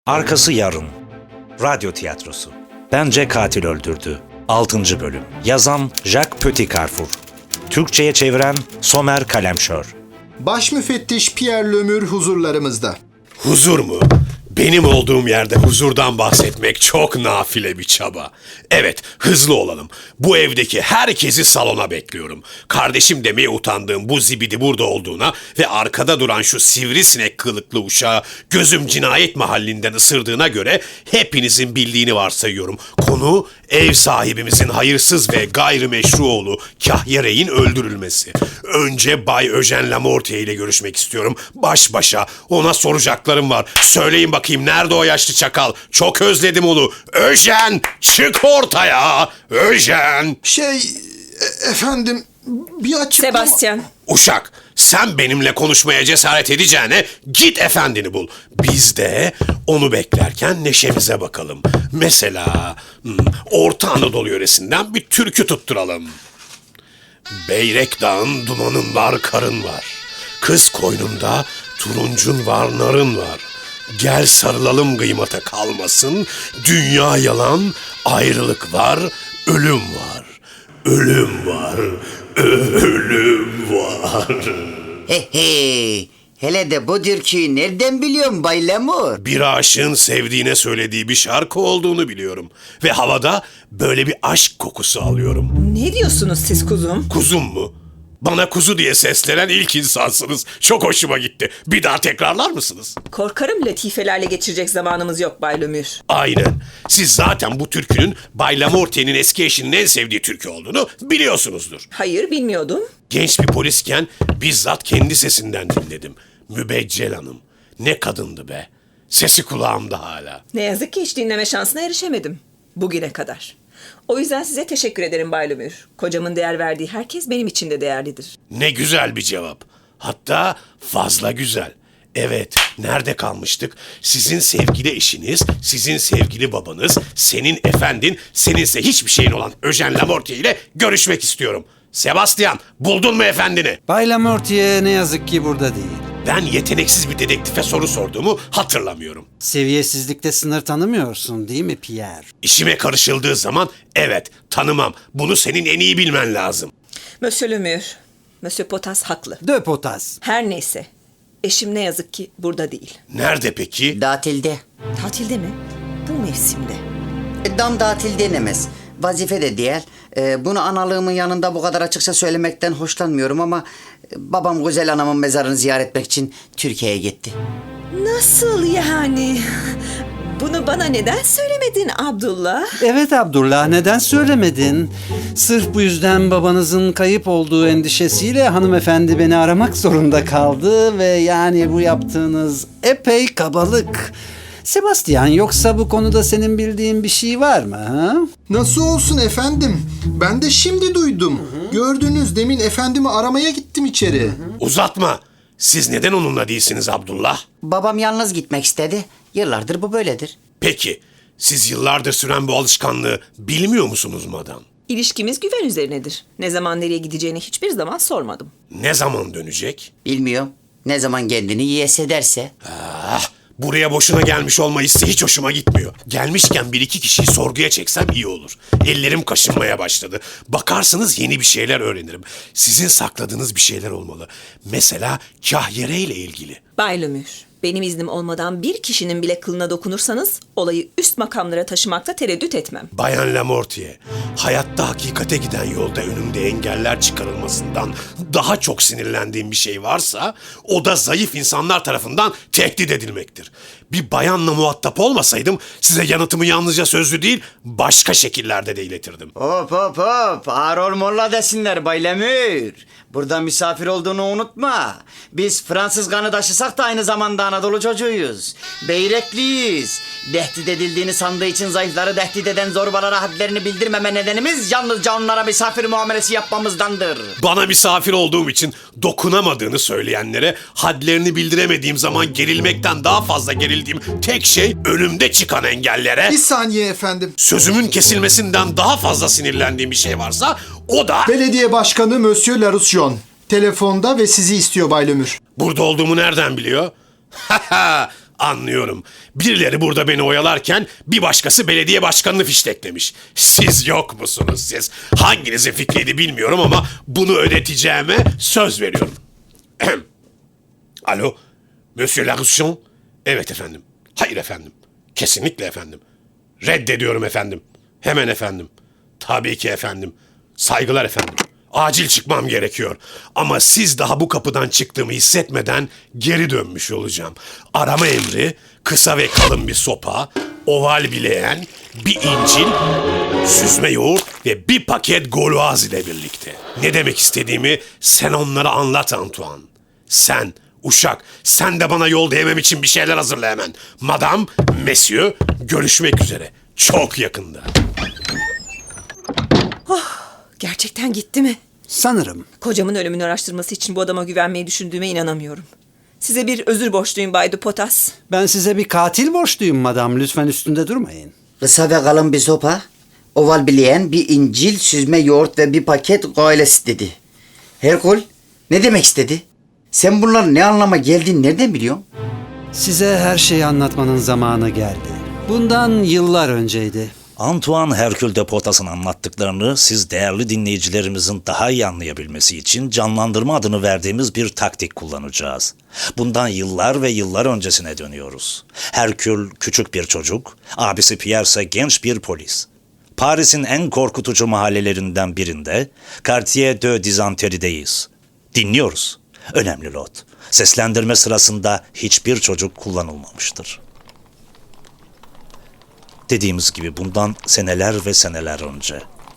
Arkası yarın. Radyo tiyatrosu. Bence katil öldürdü. 6. bölüm. Yazan Jacques Petit-Carrefour. Türkçe'ye çeviren Somer Kalemşör. Baş müfettiş Pierre Lemur huzurlarımızda. Huzur mu? Benim olduğum yerde huzurdan bahsetmek çok nafile bir çaba. Evet, hızlı olalım. Bu evdeki herkesi salona bekliyorum. Kardeşim demeye utandığım bu zibidi burada olduğuna ve arkada duran şu sivrisinek kılıklı uşağı gözüm cinayet mahallinden ısırdığına göre hepinizin bildiğini varsayıyorum. Konu ev sahibimizin hayırsız ve gayrimeşru oğlu Kahyerey'in öldürülmesi. Önce Bay Eugène Lamortier ile görüşmek istiyorum. Baş başa. Ona soracaklarım var. Söyleyin bakayım, nerede o yaşlı çakal? Çok özledim onu. Eugène, çık ortaya. Eugène. Efendim bir açıklama... Sebastian. Uşak, sen benimle konuşmaya cesaret edeceğine git efendini bul. Biz de onu beklerken neşemize bakalım. Mesela Orta Anadolu yöresinden bir türkü tutturalım. Beyrek dağın dumanın var, karın var. Kız koynunda turuncun var, narın var. Gel sarılalım, kıymata kalmasın. Dünya yalan, ayrılık var, ölüm var. Ölüm var, ölüm var. He he. Hele de bu türküyü nereden biliyorsun Bay Lemur? Bir aşığın sevdiğine söylediği bir şarkı olduğunu biliyorum. Ve havada böyle bir aşk kokusu alıyorum. Ne diyorsunuz siz kuzum? Kuzum mu? Bana kuzu diye seslenen ilk insansınız. Çok hoşuma gitti. Bir daha tekrarlar mısınız? Korkarım latifelerle geçirecek zamanımız yok Bay Lemur. Aynen. Siz zaten bu türkünün Bay Lamortier'in eski eşinin en sevdiği türkü olduğunu biliyorsunuzdur. Hayır, bilmiyordum. Genç bir polisken bizzat kendi sesinden dinledim. Mübeccel Hanım. Ne kadındı be. Sesi kulağımda hala. Ne yazık ki hiç dinleme şansına erişemedim. Bugüne kadar. O yüzden size teşekkür ederim Bay Lemur. Kocamın değer verdiği herkes benim için de değerlidir. Ne güzel bir cevap. Hatta fazla güzel. Evet, nerede kalmıştık? Sizin sevgili eşiniz, sizin sevgili babanız, senin efendin, seninse hiçbir şeyin olan Eugène Lamortier ile görüşmek istiyorum. Sebastian, buldun mu efendini? Bay Lamortier ne yazık ki burada değil. Ben yeteneksiz bir dedektife soru sorduğumu hatırlamıyorum. Seviyesizlikte sınır tanımıyorsun değil mi Pierre? İşime karışıldığı zaman evet, tanımam. Bunu senin en iyi bilmen lazım. Monsieur Lemur, Monsieur Potas haklı. De Potas. Her neyse, eşim ne yazık ki burada değil. Nerede peki? Datilde. Tatilde mi? Bu mevsimde. Dam datil denemez. Vazife de değil. Bunu analığımın yanında bu kadar açıkça söylemekten hoşlanmıyorum ama... babam güzel anamın mezarını ziyaret etmek için Türkiye'ye gitti. Nasıl yani? Bunu bana neden söylemedin Abdullah? Evet Abdullah, neden söylemedin? Sırf bu yüzden babanızın kayıp olduğu endişesiyle hanımefendi beni aramak zorunda kaldı ve yani bu yaptığınız epey kabalık. Sebastian, yoksa bu konuda senin bildiğin bir şey var mı? Ha? Nasıl olsun efendim? Ben de şimdi duydum. Gördünüz, demin efendimi aramaya gittim içeri. Uzatma. Siz neden onunla değilsiniz Abdullah? Babam yalnız gitmek istedi. Yıllardır bu böyledir. Peki, siz yıllardır süren bu alışkanlığı bilmiyor musunuz madam? İlişkimiz güven üzerinedir. Ne zaman nereye gideceğini hiçbir zaman sormadım. Ne zaman dönecek? Bilmiyorum. Ne zaman kendini iyi hissederse. Buraya boşuna gelmiş olma hissi hiç hoşuma gitmiyor. Gelmişken bir iki kişiyi sorguya çeksem iyi olur. Ellerim kaşınmaya başladı. Bakarsınız yeni bir şeyler öğrenirim. Sizin sakladığınız bir şeyler olmalı. Mesela Kahyere ile ilgili. Bay Lemur, benim iznim olmadan bir kişinin bile kılına dokunursanız olayı üst makamlara taşımakta tereddüt etmem. Bayan Lamortier, hayatta hakikate giden yolda önümde engeller çıkarılmasından daha çok sinirlendiğim bir şey varsa o da zayıf insanlar tarafından tehdit edilmektir. Bir bayanla muhatap olmasaydım size yanıtımı yalnızca sözlü değil başka şekillerde de iletirdim. Hop hop hop. Ağır ol molla desinler Bay Lemur. Burada misafir olduğunu unutma. Biz Fransız kanı taşısak da aynı zamanda Anadolu çocuğuyuz. Beyrekliyiz. Tehdit edildiğini sandığı için zayıfları tehdit eden zorbalara hadlerini bildirmeme nedenimiz yalnızca onlara misafir muamelesi yapmamızdandır. Bana misafir olduğum için dokunamadığını söyleyenlere hadlerini bildiremediğim zaman gerilmekten daha fazla gerildiğim tek şey önümde çıkan engellere... Bir saniye efendim. Sözümün kesilmesinden daha fazla sinirlendiğim bir şey varsa o da... Belediye Başkanı Monsieur Laroussillon. Telefonda ve sizi istiyor Bay Lemur. Burada olduğumu nereden biliyor? Anlıyorum. Birileri burada beni oyalarken bir başkası belediye başkanını fişteklemiş. Siz yok musunuz siz? Hanginizin fikriydi bilmiyorum ama bunu ödeteceğime söz veriyorum. Alo, Monsieur Larouchon? Evet efendim. Hayır efendim. Kesinlikle efendim. Reddediyorum efendim. Hemen efendim. Tabii ki efendim. Saygılar efendim. Acil çıkmam gerekiyor. Ama siz daha bu kapıdan çıktığımı hissetmeden geri dönmüş olacağım. Arama emri, kısa ve kalın bir sopa, oval bileğen, bir incil, süzme yoğurt ve bir paket gauloise ile birlikte. Ne demek istediğimi sen onlara anlat Antoine. Sen, uşak, sen de bana yol değmem için bir şeyler hazırla hemen. Madam, monsieur, görüşmek üzere. Çok yakında. Gerçekten gitti mi? Sanırım. Kocamın ölümünü araştırması için bu adama güvenmeyi düşündüğüme inanamıyorum. Size bir özür borçluyum Bay Dupotas. Ben size bir katil borçluyum madam. Lütfen üstünde durmayın. Kısa ve kalın bir sopa, oval bileğen, bir incil, süzme yoğurt ve bir paket goyles dedi. Herkul, ne demek istedi? Sen bunların ne anlama geldiğini nereden biliyorsun? Size her şeyi anlatmanın zamanı geldi. Bundan yıllar önceydi. Antoine Hercule de Potas'ın anlattıklarını siz değerli dinleyicilerimizin daha iyi anlayabilmesi için canlandırma adını verdiğimiz bir taktik kullanacağız. Bundan yıllar ve yıllar öncesine dönüyoruz. Hercule küçük bir çocuk, abisi Pierre ise genç bir polis. Paris'in en korkutucu mahallelerinden birinde Quartier de Dizenterie'deyiz. Dinliyoruz. Önemli not. Seslendirme sırasında hiçbir çocuk kullanılmamıştır. Dediğimiz gibi bundan seneler ve seneler önce.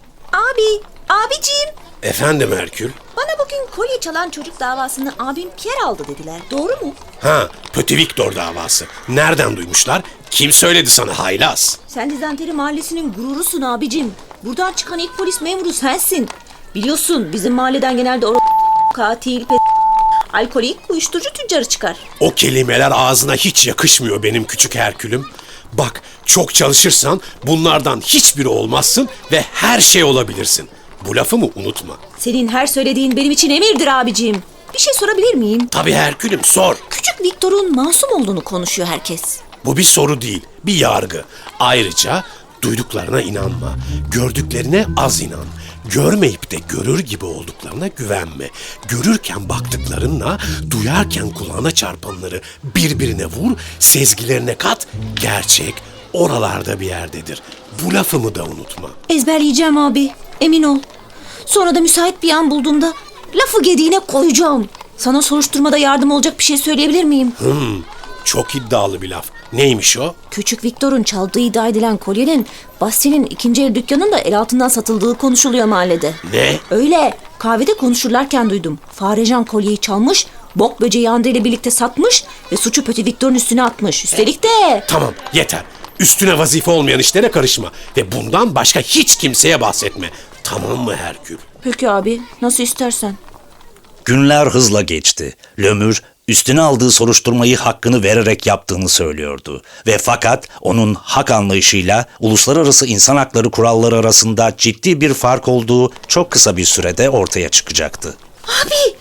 Abicim, Efendim Herkül? bana bugün kolye çalan çocuk davasını abim Pierre aldı dediler. Doğru mu? Ha, Petit Victor davası. Nereden duymuşlar? Kim söyledi sana haylaz? Sen Dizanteri mahallesinin gururusun abicim. Buradan çıkan ilk polis memuru sensin. Biliyorsun bizim mahalleden genelde katil, alkolik, uyuşturucu tüccarı çıkar. O kelimeler ağzına hiç yakışmıyor benim küçük Herkül'üm. Bak, çok çalışırsan bunlardan hiçbiri olmazsın ve her şey olabilirsin. Bu lafımı unutma. Senin her söylediğin benim için emirdir abicim. Bir şey sorabilir miyim? Tabii Herkül'üm, sor. Küçük Victor'un masum olduğunu konuşuyor herkes. Bu bir soru değil, bir yargı. Ayrıca duyduklarına inanma, gördüklerine az inan. Görmeyip de görür gibi olduklarına güvenme. Görürken baktıklarınla, duyarken kulağına çarpanları birbirine vur, sezgilerine kat, gerçek oralarda bir yerdedir. Bu lafımı da unutma. Ezberleyeceğim abi, emin ol. Sonra da müsait bir an bulduğumda lafı gediğine koyacağım. Sana soruşturmada yardım olacak bir şey söyleyebilir miyim? Çok iddialı bir laf. Neymiş o? Küçük Victor'un çaldığı iddia edilen kolyenin Bastil'in ikinci el dükkanında el altından satıldığı konuşuluyor mahallede. Ne? Öyle. Kahvede konuşurlarken duydum. Farecan kolyeyi çalmış, bok böceği Andre ile birlikte satmış ve suçu Petit Victor'un üstüne atmış. Üstelik de... Tamam, yeter. Üstüne vazife olmayan işlere karışma. Ve bundan başka hiç kimseye bahsetme. Tamam mı Herkül? Peki abi, nasıl istersen. Günler hızla geçti. Lömür üstüne aldığı soruşturmayı hakkını vererek yaptığını söylüyordu. Ve fakat onun hak anlayışıyla uluslararası insan hakları kuralları arasında ciddi bir fark olduğu çok kısa bir sürede ortaya çıkacaktı. Abi!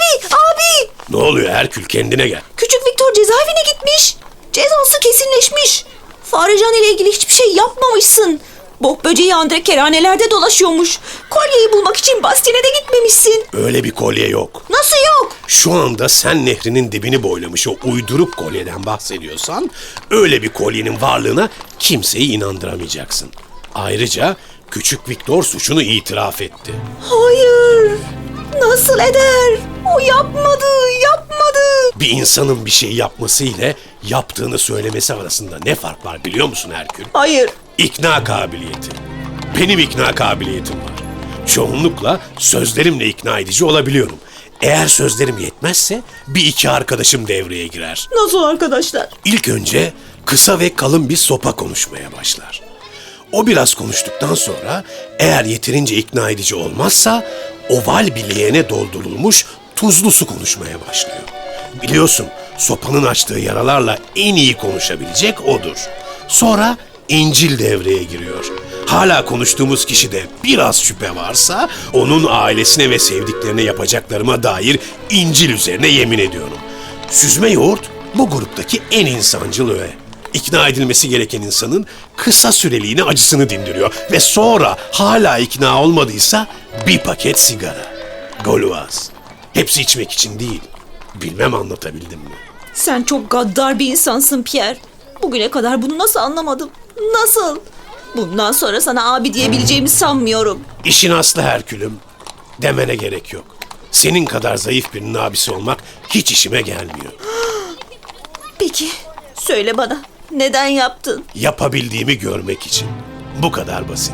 Ne oluyor Herkül, kendine gel. Küçük Victor cezaevine gitmiş. Cezası kesinleşmiş. Farecan ile ilgili hiçbir şey yapmamışsın. Bok böceği Andre kerhanelerde dolaşıyormuş. Kolyeyi bulmak için Bastil'e de gitmemişsin. Öyle bir kolye yok. Nasıl yok? Şu anda sen nehrinin dibini boylamış o uydurup kolyeden bahsediyorsan, öyle bir kolyenin varlığına kimseyi inandıramayacaksın. Ayrıca küçük Victor suçunu itiraf etti. Hayır. Nasıl eder? O yapmadı. Bir insanın bir şey yapması ile yaptığını söylemesi arasında ne fark var biliyor musun Herkül? Hayır. İkna kabiliyeti. Benim ikna kabiliyetim var. Çoğunlukla sözlerimle ikna edici olabiliyorum. Eğer sözlerim yetmezse bir iki arkadaşım devreye girer. Nasıl arkadaşlar? İlk önce kısa ve kalın bir sopa konuşmaya başlar. O biraz konuştuktan sonra eğer yeterince ikna edici olmazsa oval bileğene doldurulmuş tuzlu su konuşmaya başlıyor. Biliyorsun sopanın açtığı yaralarla en iyi konuşabilecek odur. Sonra İncil devreye giriyor. Hala konuştuğumuz kişide biraz şüphe varsa onun ailesine ve sevdiklerine yapacaklarıma dair İncil üzerine yemin ediyorum. Süzme yoğurt Bu gruptaki en insancıl öğe. İkna edilmesi gereken insanın kısa süreliğine acısını dindiriyor ve sonra hala ikna olmadıysa bir paket sigara. Gauloise. Hepsi içmek için değil. Bilmem anlatabildim mi? Sen çok gaddar bir insansın Pierre. Bugüne kadar bunu nasıl anlamadım? Nasıl? Bundan sonra sana abi diyebileceğimi sanmıyorum. İşin aslı Herkülüm. Demene gerek yok. Senin kadar zayıf birinin abisi olmak hiç işime gelmiyor. Peki, söyle bana. Neden yaptın? Yapabildiğimi görmek için. Bu kadar basit.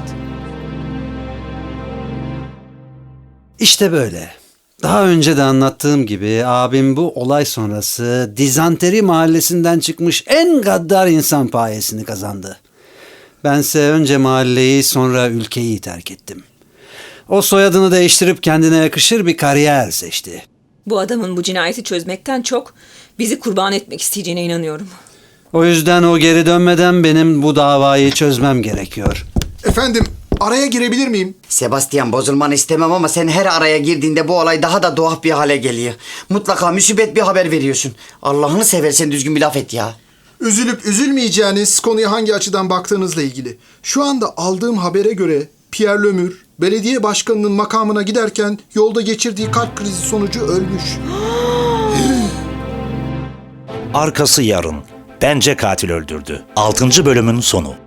İşte böyle. Daha önce de anlattığım gibi abim bu olay sonrası Dizanteri mahallesinden çıkmış en gaddar insan payesini kazandı. Bense önce mahalleyi sonra ülkeyi terk ettim. O soyadını değiştirip kendine yakışır bir kariyer seçti. Bu adamın bu cinayeti çözmekten çok bizi kurban etmek isteyeceğine inanıyorum. O yüzden o geri dönmeden benim bu davayı çözmem gerekiyor. Efendim, araya girebilir miyim? Sebastian, bozulmanı istemem ama sen her araya girdiğinde bu olay daha da tuhaf bir hale geliyor. Mutlaka musibet bir haber veriyorsun. Allah'ını seversen düzgün bir laf et ya. Üzülüp üzülmeyeceğiniz konuya hangi açıdan baktığınızla ilgili. Şu anda aldığım habere göre Pierre Lemur, belediye başkanının makamına giderken yolda geçirdiği kalp krizi sonucu ölmüş. Arkası yarın. Bence katil öldürdü. 6. bölümün sonu.